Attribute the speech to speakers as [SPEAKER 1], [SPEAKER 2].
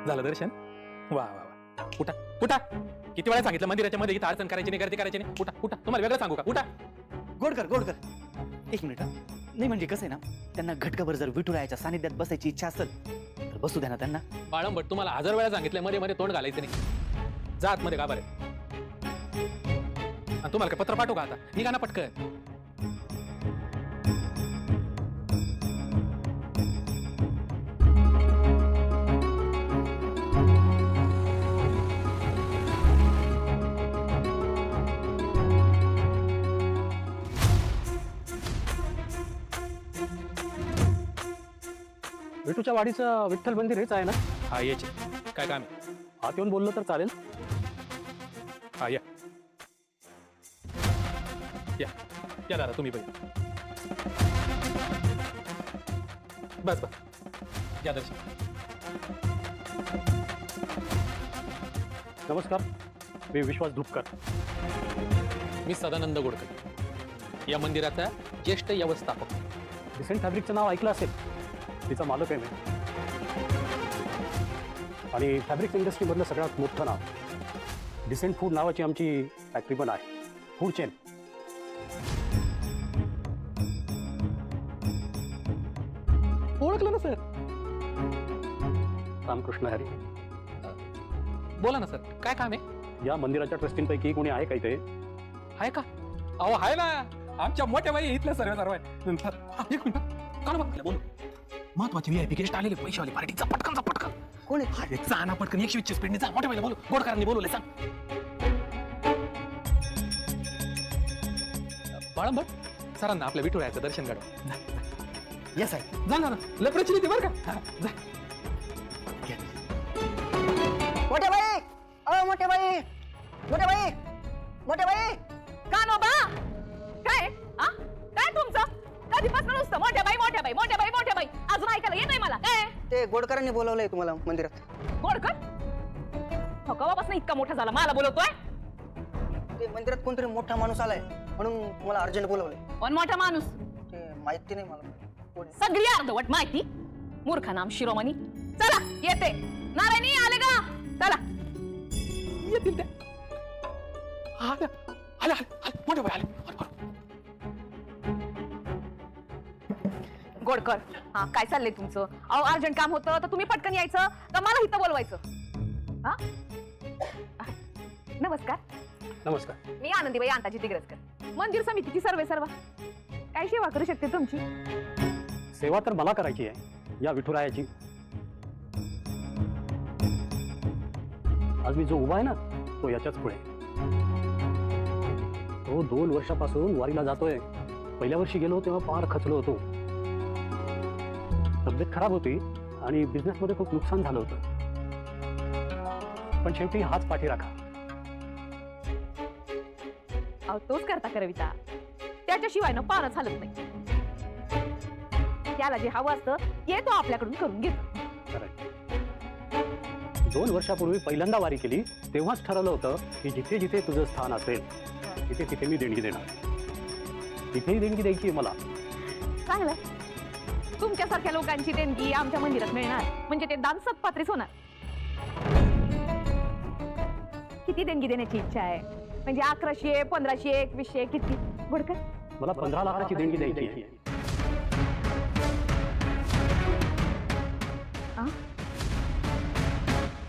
[SPEAKER 1] झालं दर्शन? वा वा वा. उठा उठा. किती वेळा सांगितलं मंदिराच्या मध्ये इथं अडचण करायची नाही, गर्दी करायची नाही. उठा उठा. तुम्हाला वेगळं सांगू का? उठा.
[SPEAKER 2] गोडकर एक मिनिट हा. नाही म्हणजे कसं आहे ना, त्यांना घटकाभर जर विठुरायाच्या सानिध्यात बसायची इच्छा असेल तर बसू द्या ना त्यांना.
[SPEAKER 1] बाळंबट तुम्हाला 1000 वेळा सांगितलं मध्ये मध्ये तोंड घालायचं नाही. जा आतमध्ये का बरं. आणि तुम्हाला काय पत्र पाठवू का आता? निघा ना पटकन.
[SPEAKER 3] विठूच्या वाडीचं विठ्ठल मंदिर हेच आहे ना?
[SPEAKER 1] हा याचे काय काम आहे?
[SPEAKER 3] आत येऊन बोललं तर चालेल?
[SPEAKER 1] हा या या या दादा तुम्ही पहिले. बस बस या दर्शन.
[SPEAKER 3] नमस्कार, मी विश्वास धुपकर.
[SPEAKER 1] मी सदानंद गोडकर, या मंदिराचा ज्येष्ठ व्यवस्थापक.
[SPEAKER 3] डिसेंट फॅब्रिकचं नाव ऐकलं असेल, तिचा मालक आहे मी. आणि फॅब्रिक इंडस्ट्रीमधलं सगळ्यात मोठं नाव. डिसेंट फूड नावाची आमची फॅक्टरी पण आहे, फूड चेन.
[SPEAKER 1] ओळखलं ना सर?
[SPEAKER 3] रामकृष्ण हरी.
[SPEAKER 1] बोला ना सर, काय काम आहे?
[SPEAKER 3] या मंदिराच्या ट्रस्टींपैकी कोणी आहे का इथे?
[SPEAKER 1] आहे का? अहो आहे ना, आमच्या मोठ्या बाई इथल्या सर्व आहे. एक मिनिट काढ बघ बोल. महत्वाचे VIP गेस्ट आलेले, पैशावाले पार्टीचा. पटकन
[SPEAKER 2] कोण आहे?
[SPEAKER 1] अरे जा ना पटकन, 120 स्पीडने जा. मोठ्या बाईला बोलू, गोडकरांनी बोलवले. सांग बाळंबट सरांना आपल्या विठुरायाचं दर्शन घडव.
[SPEAKER 2] येस आहे.
[SPEAKER 1] जा ना लपड्याची नीती बरं का. जा.
[SPEAKER 2] मोठे बाई, मोठे बाई, मोठे बाई, मोठे बाई.
[SPEAKER 4] का नो बा? काय आ? काय तुमचं? कधीपासून नुसतं मोठ्या बाई मोठ्या बाई मोठ्या बाई मोठ्या बाई, अजून ऐकायला येत नाही मला. काय
[SPEAKER 2] ते गोडकरांनी बोलवलंय तुम्हाला मंदिरात.
[SPEAKER 4] गोडकर हो कवापासून इतका मोठा झाला मला बोलवतोय?
[SPEAKER 2] ते मंदिरात कोणतरी मोठा माणूस आलाय म्हणून तुम्हाला अर्जंट बोलवलंय.
[SPEAKER 4] कोण मोठा माणूस?
[SPEAKER 2] ते माहिती नाही मला कोण आहे.
[SPEAKER 4] सगळी अर्धवट माहिती. मूर्ख नाम शिरोमणी. चला येते. नारायणी आले का? चला
[SPEAKER 1] येतील त्या. आले आले आले मोठ्या बाई आले.
[SPEAKER 4] गोडकर हा काय चाललंय तुमचं? अहो अर्जंट काम होतं तर तुम्ही पटकन यायचं का मला इथं बोलवायचं? हा नमस्कार,
[SPEAKER 3] नमस्कार.
[SPEAKER 4] मी आनंदीबाई अंताजी तिग्रसकर, मंदिर समितीची सर्वेसर्वा. काय सेवा करू शकते तुमची?
[SPEAKER 3] सेवा तर मला करायची आहे, या विठुरायाची. आज मी जो उभा आहे ना, तो याच्याच पुढे. तो 2 वर्षापासून वारीला जातोय. पहिल्या वर्षी गेलो तेव्हा फार खचलो होतो. तब्येत खराब होती आणि बिझनेसमध्ये खूप नुकसान झालं होतं. पण शेवटी हाच पाठी राखा.
[SPEAKER 4] अहो तोच करता करविता, त्याच्याशिवाय ना पारच हलत नाही. त्याला जे हवं असतं ते तो आपल्याकडून करून घेतो.
[SPEAKER 3] 2 वर्षापूर्वी पहिल्यांदा वारी केली तेव्हाच ठरवलं होतं की जिथे जिथे तुझं स्थान असेल तिथे तिथे मी देणगी देणार. तिथेही देणगी द्यायची मला.
[SPEAKER 4] चांगलं, तुमच्यासारख्या लोकांची देणगी आमच्या मंदिरात मिळणार म्हणजे ते दान सत्पात्रीच होणार. किती देणगी देण्याची इच्छा आहे? म्हणजे 1100, 1500, 2100 किती? गोडकर
[SPEAKER 3] मला 15 लाखाची देणगी द्यायची आहे.